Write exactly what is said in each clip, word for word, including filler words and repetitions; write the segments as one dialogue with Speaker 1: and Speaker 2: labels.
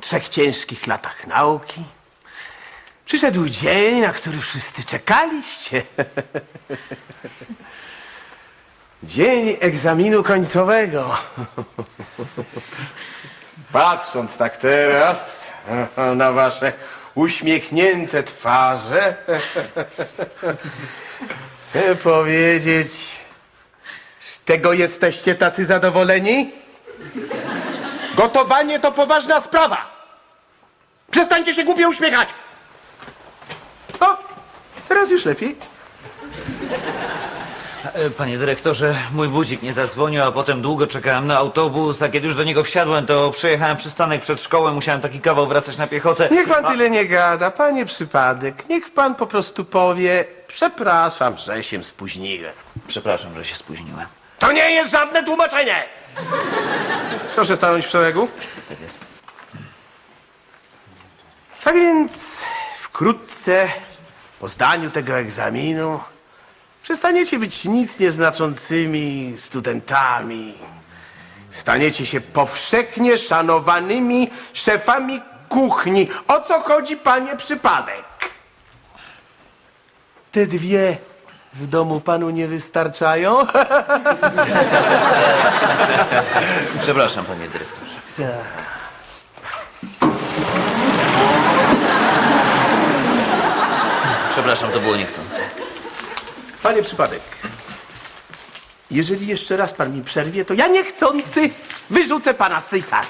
Speaker 1: trzech ciężkich latach nauki przyszedł dzień, na który wszyscy czekaliście. Dzień egzaminu końcowego. Patrząc tak teraz na wasze uśmiechnięte twarze, chcę powiedzieć, z czego jesteście tacy zadowoleni? Gotowanie to poważna sprawa. Przestańcie się głupio uśmiechać. O, teraz już lepiej.
Speaker 2: Panie dyrektorze, mój budzik nie zadzwonił, a potem długo czekałem na autobus, a kiedy już do niego wsiadłem, to przejechałem przystanek przed szkołą, musiałem taki kawał wracać na piechotę.
Speaker 1: Niech pan tyle nie gada, panie przypadek. Niech pan po prostu powie, przepraszam, że się spóźniłem.
Speaker 2: Przepraszam, że się spóźniłem.
Speaker 1: To nie jest żadne tłumaczenie. Proszę stanąć w szeregu.
Speaker 2: Tak jest.
Speaker 1: Tak więc wkrótce po zdaniu tego egzaminu przestaniecie być nic nieznaczącymi studentami. Staniecie się powszechnie szanowanymi szefami kuchni. O co chodzi, panie przypadek? Te dwie w domu panu nie wystarczają?
Speaker 2: Przepraszam, panie dyrektorze. Przepraszam, to było niechcące.
Speaker 1: Panie przypadek, jeżeli jeszcze raz pan mi przerwie, to ja niechcący wyrzucę pana z tej sali.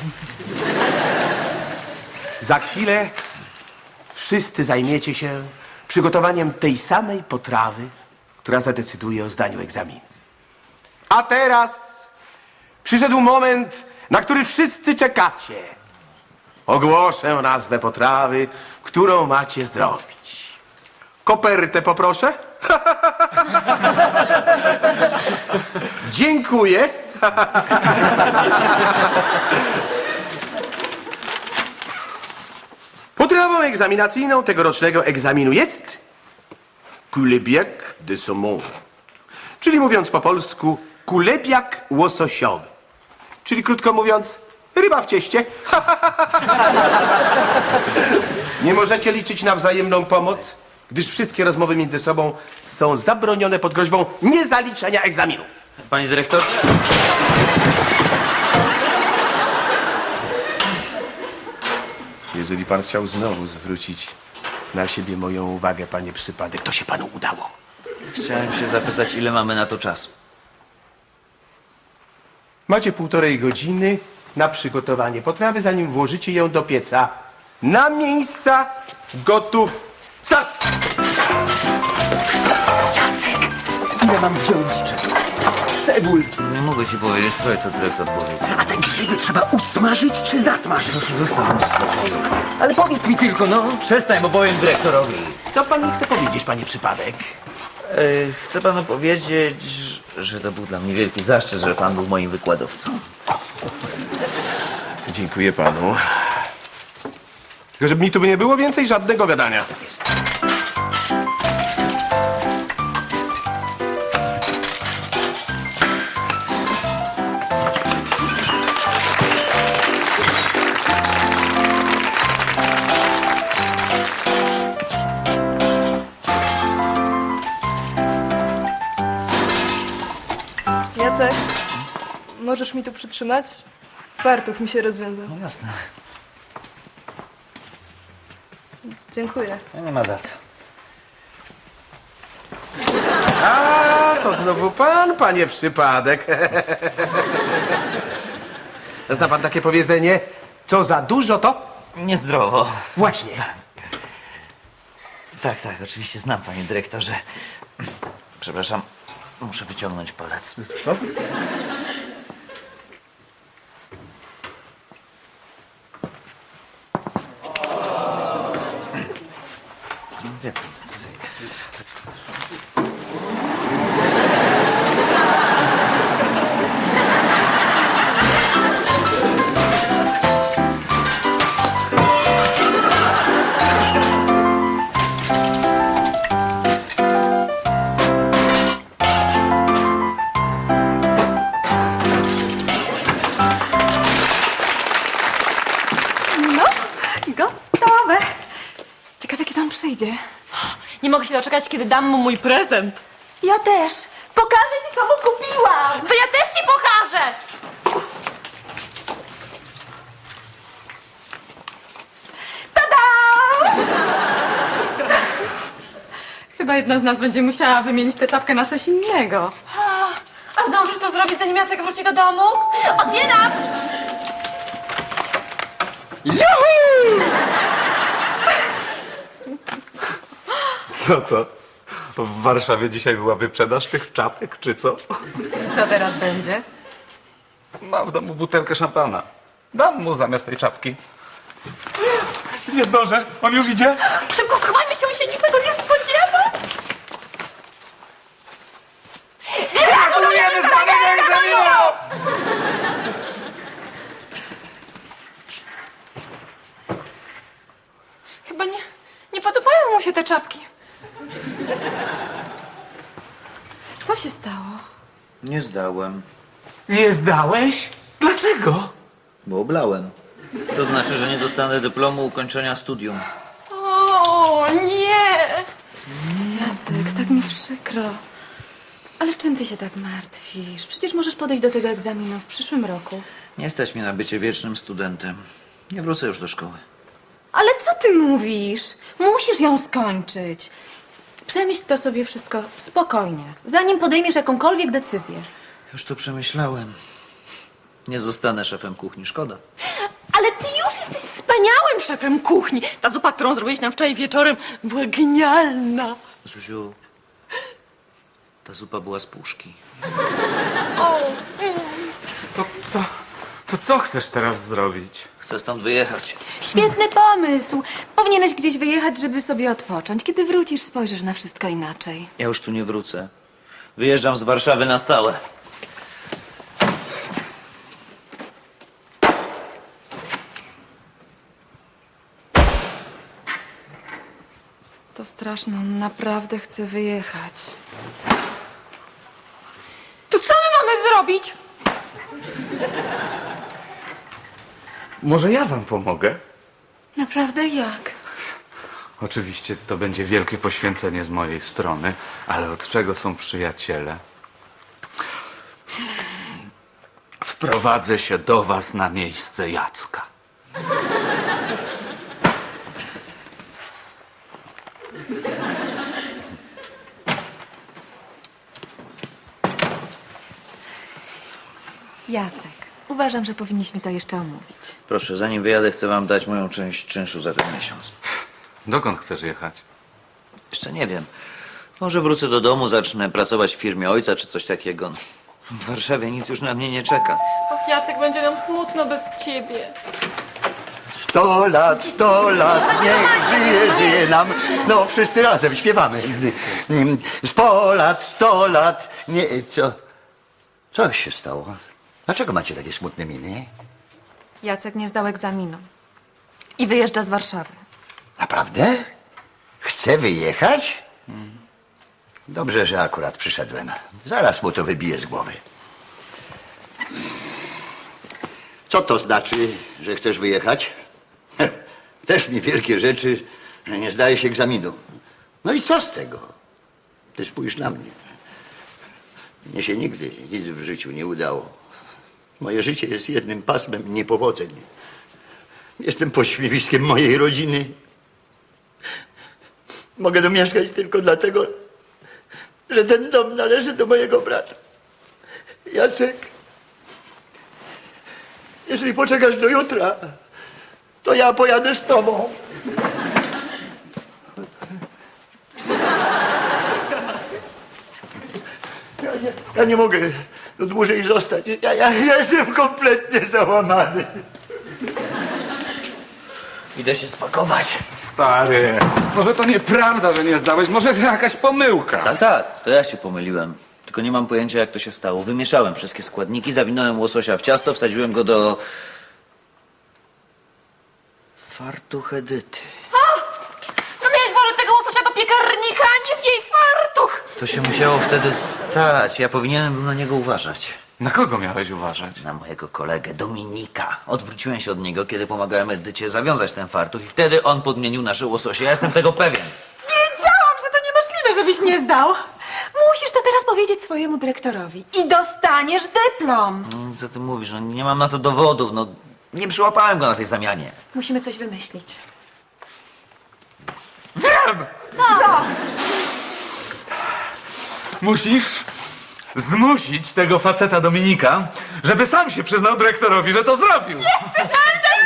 Speaker 1: Za chwilę wszyscy zajmiecie się przygotowaniem tej samej potrawy, która zadecyduje o zdaniu egzaminu. A teraz przyszedł moment, na który wszyscy czekacie. Ogłoszę nazwę potrawy, którą macie zrobić. Kopertę poproszę. Dziękuję. Potrawą egzaminacyjną tegorocznego egzaminu jest kulebiak de saumon, czyli mówiąc po polsku kulebiak łososiowy, czyli krótko mówiąc ryba w cieście. Nie możecie liczyć na wzajemną pomoc, gdyż wszystkie rozmowy między sobą są zabronione pod groźbą niezaliczenia egzaminu.
Speaker 2: Panie dyrektorze?
Speaker 1: Jeżeli pan chciał znowu zwrócić na siebie moją uwagę, panie przypadek, to się panu udało.
Speaker 2: Chciałem się zapytać, ile mamy na to czasu.
Speaker 1: Macie półtorej godziny na przygotowanie potrawy, zanim włożycie ją do pieca. Na miejsca, gotów, start!
Speaker 3: Ile mam wziąć? Cebul.
Speaker 2: Nie mogę ci powiedzieć, powiedz, co dyrektor powiedział.
Speaker 3: A te grzyby trzeba usmażyć czy zasmażyć?
Speaker 2: Proszę, zostaw mnie w spokoju.
Speaker 3: Ale powiedz mi tylko, no.
Speaker 2: Przestań, bo powiem dyrektorowi.
Speaker 1: Co pan mi chce powiedzieć, panie przypadek?
Speaker 2: E, chcę panu powiedzieć, że to był dla mnie wielki zaszczyt, że pan był moim wykładowcą.
Speaker 1: Dziękuję panu. Tylko żeby mi tu nie było więcej żadnego gadania.
Speaker 4: Jacek, możesz mi tu przytrzymać? Fartuch mi się rozwiązał.
Speaker 2: No jasne.
Speaker 4: Dziękuję.
Speaker 2: Nie ma za co.
Speaker 1: A, to znowu pan, panie przypadek. Zna pan takie powiedzenie? Co za dużo, to
Speaker 2: Niezdrowo.
Speaker 1: właśnie.
Speaker 2: Tak, tak, oczywiście znam, panie dyrektorze. Przepraszam, muszę wyciągnąć palec.
Speaker 1: No.
Speaker 2: Wie pan.
Speaker 5: mogę się doczekać, kiedy dam mu mój prezent.
Speaker 6: Ja też. Pokażę ci, co mu kupiłam.
Speaker 5: To ja też ci pokażę! Chyba jedna z nas będzie musiała wymienić tę czapkę na coś innego.
Speaker 4: A, a zdążysz to zrobić, zanim Jacek wróci do domu?
Speaker 5: Otwieram!
Speaker 7: Co to? W Warszawie dzisiaj była wyprzedaż tych czapek, czy co?
Speaker 6: I co teraz będzie?
Speaker 7: Mam w domu butelkę szampana. Dam mu zamiast tej czapki. Nie zdążę, on już idzie.
Speaker 5: Szybko schowajmy się, on się niczego nie spodziewa!
Speaker 7: Gratulujemy zdanego egzaminu!
Speaker 4: Chyba nie, nie podobają mu się te czapki. Co się stało?
Speaker 2: Nie zdałem,
Speaker 1: Nie zdałeś? Dlaczego?
Speaker 2: bo oblałem. To znaczy, że nie dostanę dyplomu ukończenia studium.
Speaker 4: O, nie!
Speaker 6: Jacek, tak mi przykro. Ale czym ty się tak martwisz? Przecież możesz podejść do tego egzaminu w przyszłym roku.
Speaker 2: Nie stać mnie na bycie wiecznym studentem. Nie wrócę już do szkoły.
Speaker 6: Ale co ty mówisz? Musisz ją skończyć. Przemyśl to sobie wszystko spokojnie, zanim podejmiesz jakąkolwiek decyzję.
Speaker 2: Już to przemyślałem. Nie zostanę szefem kuchni, szkoda.
Speaker 5: Ale ty już jesteś wspaniałym szefem kuchni. Ta zupa, którą zrobiłeś nam wczoraj wieczorem, była genialna.
Speaker 2: Zuziu, ta zupa była z puszki.
Speaker 7: To co? To co chcesz teraz zrobić?
Speaker 2: Chcę stąd wyjechać.
Speaker 6: Świetny pomysł. Powinieneś gdzieś wyjechać, żeby sobie odpocząć. Kiedy wrócisz, spojrzysz na wszystko inaczej.
Speaker 2: Ja już tu nie wrócę. Wyjeżdżam z Warszawy na stałe.
Speaker 6: To straszne, on naprawdę chce wyjechać.
Speaker 4: To co my mamy zrobić?
Speaker 7: Może ja wam pomogę?
Speaker 6: Naprawdę jak?
Speaker 7: Oczywiście to będzie wielkie poświęcenie z mojej strony, ale od czego są przyjaciele? Wprowadzę się do was na miejsce Jacka.
Speaker 6: Jacek, uważam, że powinniśmy to jeszcze omówić.
Speaker 2: Proszę, zanim wyjadę, chcę wam dać moją część czynszu za ten miesiąc.
Speaker 7: Dokąd chcesz jechać?
Speaker 2: Jeszcze nie wiem. Może wrócę do domu, zacznę pracować w firmie ojca czy coś takiego. W Warszawie nic już na mnie nie czeka.
Speaker 4: Och, Jacek, będzie nam smutno bez ciebie.
Speaker 8: Sto lat, sto lat, niech żyje, żyje nam. No, wszyscy razem śpiewamy. Sto lat, sto lat, nie, co? Co się stało? Dlaczego macie takie smutne miny?
Speaker 6: Jacek nie zdał egzaminu. I wyjeżdża z Warszawy.
Speaker 8: Naprawdę? Chce wyjechać? Dobrze, że akurat przyszedłem. Zaraz mu to wybiję z głowy. Co to znaczy, że chcesz wyjechać? Też mi wielkie rzeczy, że nie zdajesz egzaminu. No i co z tego? Ty spójrz na mnie. Mnie się nigdy nic w życiu nie udało. Moje życie jest jednym pasmem niepowodzeń. Jestem pośmiewiskiem mojej rodziny. Mogę tu mieszkać tylko dlatego, że ten dom należy do mojego brata. Jacek, jeżeli poczekasz do jutra, to ja pojadę z tobą. Ja nie, ja nie mogę tu dłużej zostać. Ja, ja, ja jestem kompletnie załamany.
Speaker 2: Idę się spakować.
Speaker 7: Stary, może to nieprawda, że nie zdałeś, może to jakaś pomyłka.
Speaker 2: Tak, tak, to ja się pomyliłem. Tylko nie mam pojęcia, jak to się stało. Wymieszałem wszystkie składniki, zawinąłem łososia w ciasto, wsadziłem go do... fartuch Edyty.
Speaker 5: No miałeś włożyć tego łososia do piekarnika, a nie w jej fartuch!
Speaker 2: To się musiało wtedy stać. Ja powinienem był na niego uważać.
Speaker 7: Na kogo miałeś uważać?
Speaker 2: Na mojego kolegę Dominika. Odwróciłem się od niego, kiedy pomagałem Edycie zawiązać ten fartuch i wtedy on podmienił nasze łososie. Ja jestem tego pewien.
Speaker 6: Wiedziałam, że to nie zdał. Musisz to teraz powiedzieć swojemu dyrektorowi i dostaniesz dyplom.
Speaker 2: Mm, Co ty mówisz? No, nie mam na to dowodów. No, nie przyłapałem go na tej zamianie.
Speaker 6: Musimy coś wymyślić.
Speaker 7: Wiem!
Speaker 6: Co?
Speaker 7: Musisz zmusić tego faceta Dominika, żeby sam się przyznał dyrektorowi, że to zrobił. Jesteś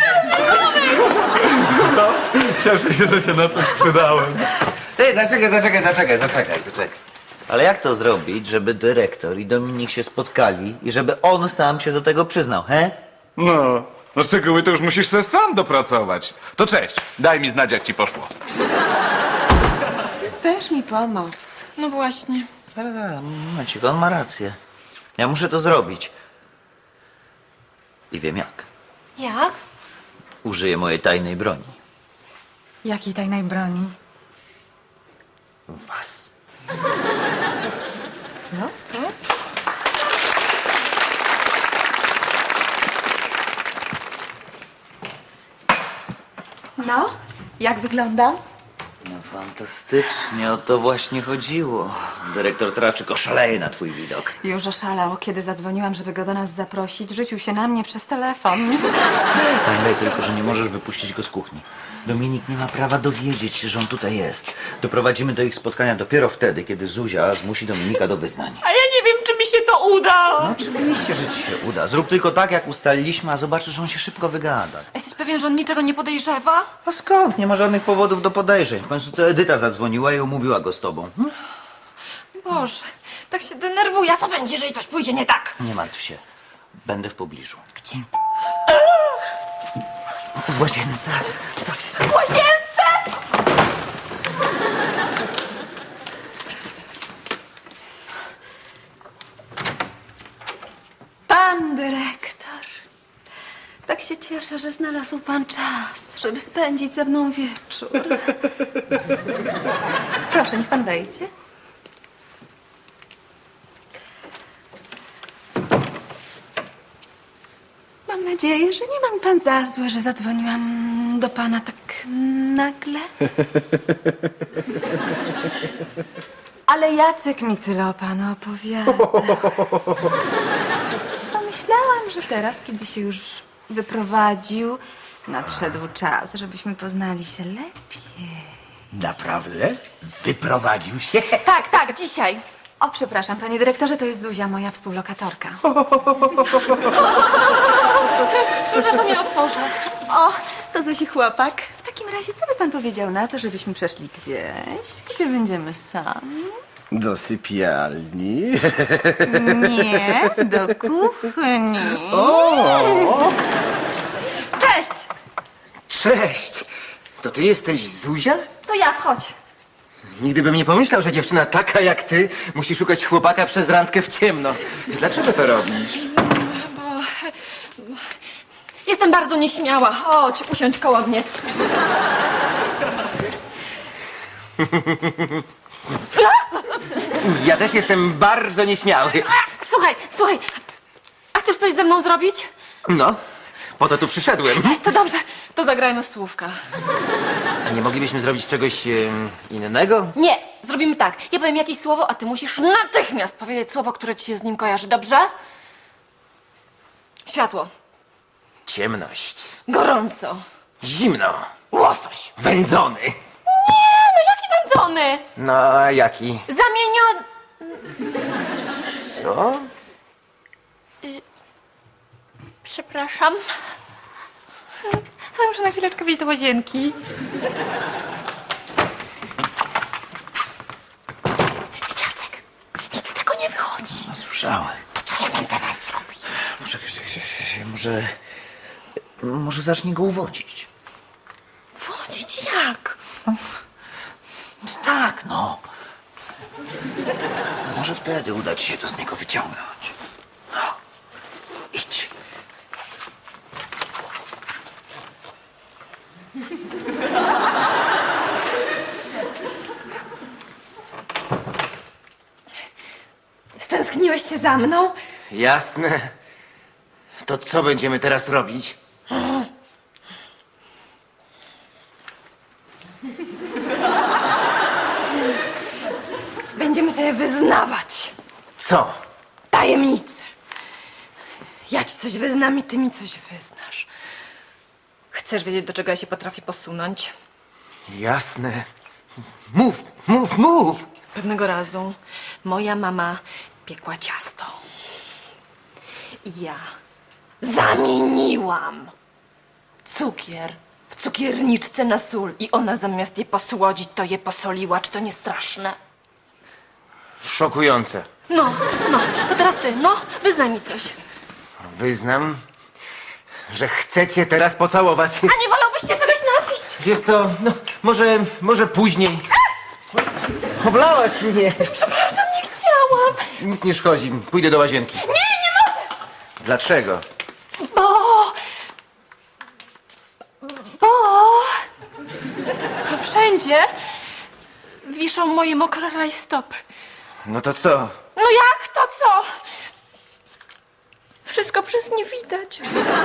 Speaker 7: No, cieszę się, że się na coś przydałem.
Speaker 2: Ej, zaczekaj, zaczekaj, zaczekaj, zaczekaj, zaczekaj. Ale jak to zrobić, żeby dyrektor i Dominik się spotkali i żeby on sam się do tego przyznał, he?
Speaker 7: No, no szczegóły to już musisz sobie sam dopracować. To cześć, daj mi znać, jak ci poszło.
Speaker 4: Weź mi pomoc.
Speaker 5: No właśnie.
Speaker 2: Zaraz, zaraz, momencik, on ma rację. Ja muszę to zrobić. I wiem jak.
Speaker 6: Jak?
Speaker 2: Użyję mojej tajnej broni.
Speaker 6: Jakiej tajnej broni?
Speaker 2: Was.
Speaker 6: Co? Co? No, jak wyglądam?
Speaker 2: No fantastycznie, o to właśnie chodziło. Dyrektor Traczyk oszaleje na twój widok.
Speaker 6: Już oszalał, kiedy zadzwoniłam, żeby go do nas zaprosić. Rzucił się na mnie przez telefon.
Speaker 2: Pamiętaj tylko, że nie możesz wypuścić go z kuchni. Dominik nie ma prawa dowiedzieć się, że on tutaj jest. Doprowadzimy do ich spotkania dopiero wtedy, kiedy Zuzia zmusi Dominika do wyznań.
Speaker 5: A ja nie wiem, czy mi się to uda.
Speaker 2: No oczywiście, że ci się uda. Zrób tylko tak, jak ustaliliśmy, a zobaczysz, że on się szybko wygada.
Speaker 5: Jesteś pewien, że on niczego nie podejrzewa?
Speaker 2: A skąd? Nie ma żadnych powodów do podejrzeń. W końcu to Edyta zadzwoniła i umówiła go z tobą. Hm?
Speaker 5: Boże, tak się denerwuję. A co będzie, jeżeli coś pójdzie nie tak?
Speaker 2: Nie martw się. Będę w pobliżu.
Speaker 5: Gdzie?
Speaker 2: W łazience.
Speaker 5: W łazience!
Speaker 6: Pan dyrektor. Tak się cieszę, że znalazł pan czas, żeby spędzić ze mną wieczór. Proszę, niech pan wejdzie. Mam nadzieję, że nie mam pan za złe, że zadzwoniłam do pana tak nagle. Ale Jacek mi tyle o panu opowiada. Pomyślałam, że teraz, kiedy się już wyprowadził, nadszedł czas, żebyśmy poznali się lepiej.
Speaker 1: Naprawdę? Wyprowadził się?
Speaker 6: Tak, tak, dzisiaj. O, przepraszam, panie dyrektorze, to jest Zuzia, moja współlokatorka.
Speaker 5: Przepraszam, ja otworzę.
Speaker 6: O, to Zuzi chłopak. W takim razie, co by pan powiedział na to, żebyśmy przeszli gdzieś, gdzie będziemy sami?
Speaker 1: Do sypialni.
Speaker 6: Nie, do kuchni.
Speaker 5: Cześć!
Speaker 3: Cześć! To ty jesteś Zuzia?
Speaker 5: To ja, wchodź.
Speaker 3: Nigdy bym nie pomyślał, że dziewczyna taka jak ty musi szukać chłopaka przez randkę w ciemno. Dlaczego to robisz?
Speaker 5: Jestem bardzo nieśmiała. Chodź, usiądź koło mnie.
Speaker 3: Ja też jestem bardzo nieśmiały.
Speaker 5: Słuchaj, słuchaj. A chcesz coś ze mną zrobić?
Speaker 3: No, po to tu przyszedłem.
Speaker 5: To dobrze, to zagrajmy w słówka.
Speaker 3: A nie moglibyśmy zrobić czegoś em, innego?
Speaker 5: Nie, zrobimy tak. Ja powiem jakieś słowo, a ty musisz natychmiast powiedzieć słowo, które ci się z nim kojarzy, dobrze? Światło.
Speaker 3: Ciemność.
Speaker 5: Gorąco.
Speaker 3: Zimno.
Speaker 5: Łosoś.
Speaker 3: Wędzony.
Speaker 5: No jaki wędzony?
Speaker 3: No, a jaki?
Speaker 5: Zamieniony.
Speaker 3: Co?
Speaker 5: Przepraszam. Muszę na chwileczkę wyjść do łazienki. Jacek, nic z tego nie wychodzi.
Speaker 2: No, słyszałem.
Speaker 5: To co ja mam teraz zrobić?
Speaker 2: Może, może, może zacznij go uwodzić.
Speaker 5: Wchodzić jak?
Speaker 2: Tak, no. Może wtedy uda ci się to z niego wyciągnąć. No. Idź.
Speaker 5: Stęskniłeś się za mną?
Speaker 3: Jasne. To co będziemy teraz robić? Co?
Speaker 5: Tajemnicę. Ja ci coś wyznam i ty mi coś wyznasz. Chcesz wiedzieć, do czego ja się potrafię posunąć?
Speaker 3: Jasne. Mów, mów, mów!
Speaker 5: Pewnego razu moja mama piekła ciasto. I ja zamieniłam cukier w cukierniczce na sól i ona zamiast je posłodzić, to je posoliła. Czy to nie straszne?
Speaker 3: Szokujące.
Speaker 5: No, no, to teraz ty, no, wyznaj mi coś.
Speaker 3: Wyznam, że chcecie teraz pocałować.
Speaker 5: A nie wolałbyś się czegoś napić?
Speaker 3: Wiesz co, no, może, może później. Oblałaś mnie.
Speaker 5: Przepraszam, nie chciałam.
Speaker 3: Nic nie szkodzi, pójdę do łazienki.
Speaker 5: Nie, nie możesz!
Speaker 3: Dlaczego?
Speaker 5: Bo... Bo... To wszędzie wiszą moje mokre rajstopy.
Speaker 3: No to co?
Speaker 5: No jak to co? Wszystko przez nie widać.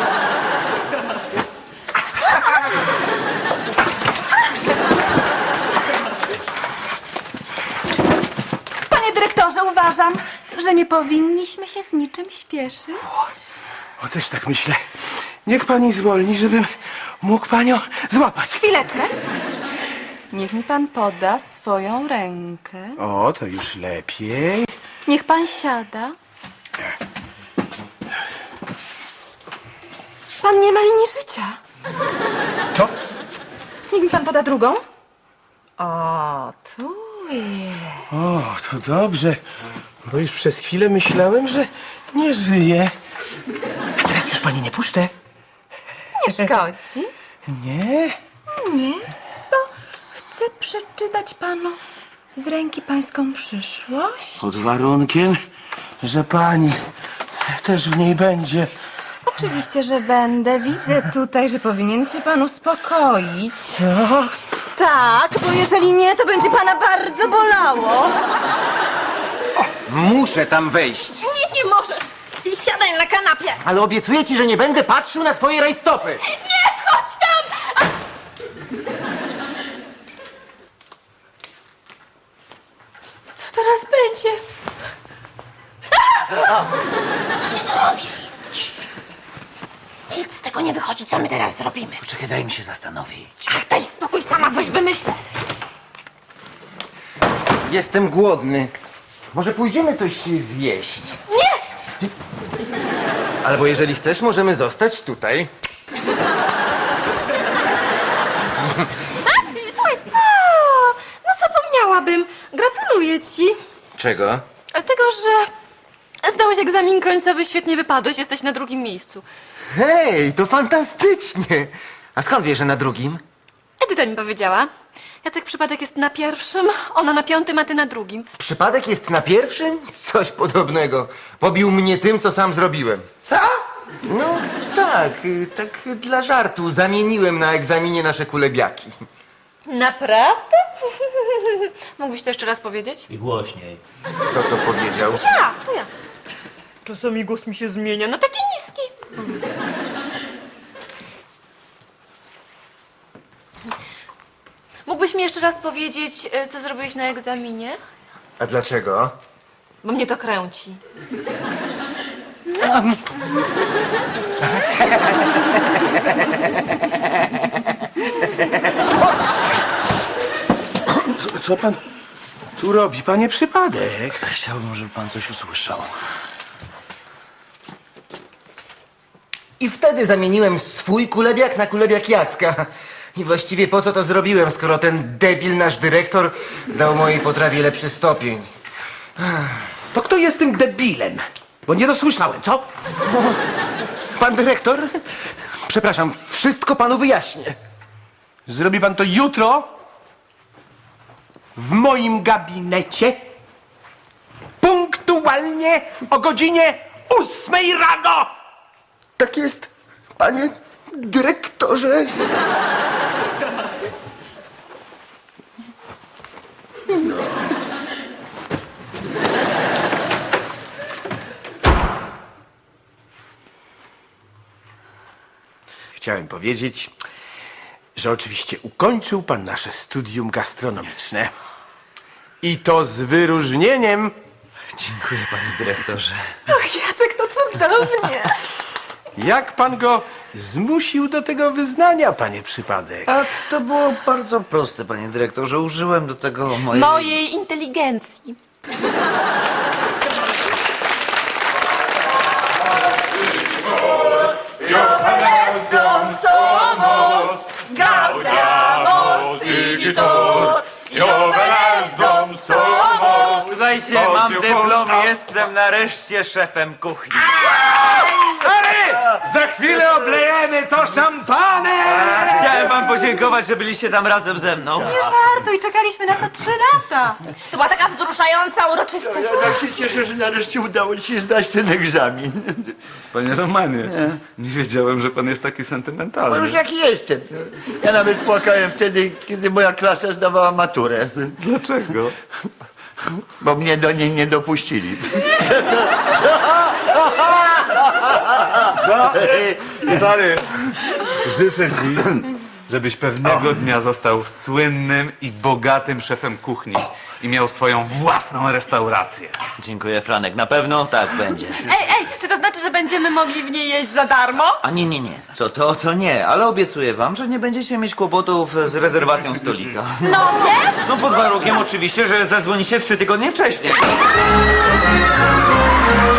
Speaker 6: Panie dyrektorze, uważam, że nie powinniśmy się z niczym śpieszyć.
Speaker 1: O, też tak myślę. Niech pani zwolni, żebym mógł panią złapać.
Speaker 6: Chwileczkę. Niech mi pan poda swoją rękę.
Speaker 1: O, to już lepiej.
Speaker 6: Niech pan siada. Pan nie ma linii życia.
Speaker 1: To?
Speaker 6: Niech mi pan poda drugą. O, tu jest.
Speaker 1: O, to dobrze, bo już przez chwilę myślałem, że nie żyje.
Speaker 3: A teraz już pani nie puszczę.
Speaker 6: Nie szkodzi.
Speaker 1: Nie?
Speaker 6: Nie, bo chcę przeczytać panu z ręki pańską przyszłość.
Speaker 1: Pod warunkiem, że pani też w niej będzie.
Speaker 6: Oczywiście, że będę. Widzę tutaj, że powinien się pan uspokoić.
Speaker 1: Co?
Speaker 6: Tak, bo jeżeli nie, to będzie pana bardzo bolało.
Speaker 3: Muszę tam wejść.
Speaker 5: Nie, nie możesz. I siadaj na kanapie.
Speaker 3: Ale obiecuję ci, że nie będę patrzył na twoje rajstopy.
Speaker 5: Nie, wchodź tam! A... Co teraz będzie? Co ty tu robisz? Nic z tego nie wychodzi, co my teraz zrobimy.
Speaker 2: Poczekaj, daj mi się zastanowić.
Speaker 5: Ach, daj spokój, sama coś wymyślę.
Speaker 3: Jestem głodny. Może pójdziemy coś zjeść?
Speaker 5: Nie!
Speaker 3: Albo jeżeli chcesz, możemy zostać tutaj.
Speaker 5: A, słuchaj, a, no zapomniałabym. Gratuluję ci.
Speaker 3: Czego?
Speaker 5: Tego, że zdałeś egzamin końcowy, świetnie wypadłeś, jesteś na drugim miejscu.
Speaker 3: Hej, to fantastycznie. A skąd wiesz, że na drugim?
Speaker 5: Edyta mi powiedziała. Jacek przypadek jest na pierwszym, ona na piątym, a ty na drugim.
Speaker 3: Przypadek jest na pierwszym? Coś podobnego. Pobił mnie tym, co sam zrobiłem.
Speaker 1: Co?
Speaker 3: No tak, y, tak dla żartu. Zamieniłem na egzaminie nasze kulebiaki.
Speaker 5: Naprawdę? Mógłbyś to jeszcze raz powiedzieć?
Speaker 2: I głośniej.
Speaker 3: Kto to powiedział?
Speaker 5: Ja, to ja. Czasami głos mi się zmienia na taki niski. Mógłbyś mi jeszcze raz powiedzieć, e, co zrobiłeś na egzaminie?
Speaker 3: A dlaczego?
Speaker 5: Bo mnie to kręci.
Speaker 1: Co, co pan tu robi, panie przypadek?
Speaker 2: Chciałbym, żeby pan coś usłyszał.
Speaker 3: I wtedy zamieniłem swój kulebiak na kulebiak Jacka. I właściwie po co to zrobiłem, skoro ten debil, nasz dyrektor, dał mojej potrawie lepszy stopień.
Speaker 1: To kto jest tym debilem? Bo nie dosłyszałem, co?
Speaker 3: Pan dyrektor? Przepraszam, wszystko panu wyjaśnię.
Speaker 1: Zrobi pan to jutro w moim gabinecie punktualnie o godzinie ósmej rano.
Speaker 3: Tak jest, panie dyrektorze.
Speaker 1: Chciałem powiedzieć, że oczywiście ukończył pan nasze studium gastronomiczne. I to z wyróżnieniem.
Speaker 2: Dziękuję, panie dyrektorze.
Speaker 6: Och, Jacek, to cudownie.
Speaker 1: Jak pan go zmusił do tego wyznania, panie Przypadek?
Speaker 2: A to było bardzo proste, panie dyrektorze. Użyłem do tego mojej...
Speaker 5: Mojej inteligencji.
Speaker 2: Słuchajcie, mam dyplom, jestem nareszcie szefem kuchni.
Speaker 7: Stary! Za chwilę oblejemy to szampanem!
Speaker 2: Chciałem wam podziękować, że byliście tam razem ze mną.
Speaker 6: Nie żartuj, czekaliśmy na to trzy lata.
Speaker 5: To była taka wzruszająca uroczystość.
Speaker 8: Ja tak się cieszę, że nareszcie udało ci się zdać ten egzamin.
Speaker 7: Panie Romanie, nie wiedziałem, że pan jest taki
Speaker 8: No już
Speaker 7: sentymentalny.
Speaker 8: jaki jestem. Ja nawet płakałem wtedy, kiedy moja klasa zdawała maturę.
Speaker 7: Dlaczego?
Speaker 8: Bo mnie do niej nie dopuścili.
Speaker 7: Stary, życzę ci, żebyś pewnego dnia został słynnym i bogatym szefem kuchni i miał swoją własną restaurację.
Speaker 2: Dziękuję, Franek. Na pewno tak będzie.
Speaker 5: Ej, ej, czy to znaczy, że będziemy mogli w niej jeść za darmo?
Speaker 2: A nie, nie, nie. Co to, to nie. Ale obiecuję wam, że nie będziecie mieć kłopotów z rezerwacją stolika.
Speaker 5: No wiesz?
Speaker 2: No pod warunkiem oczywiście, że zadzwonicie trzy tygodnie wcześniej.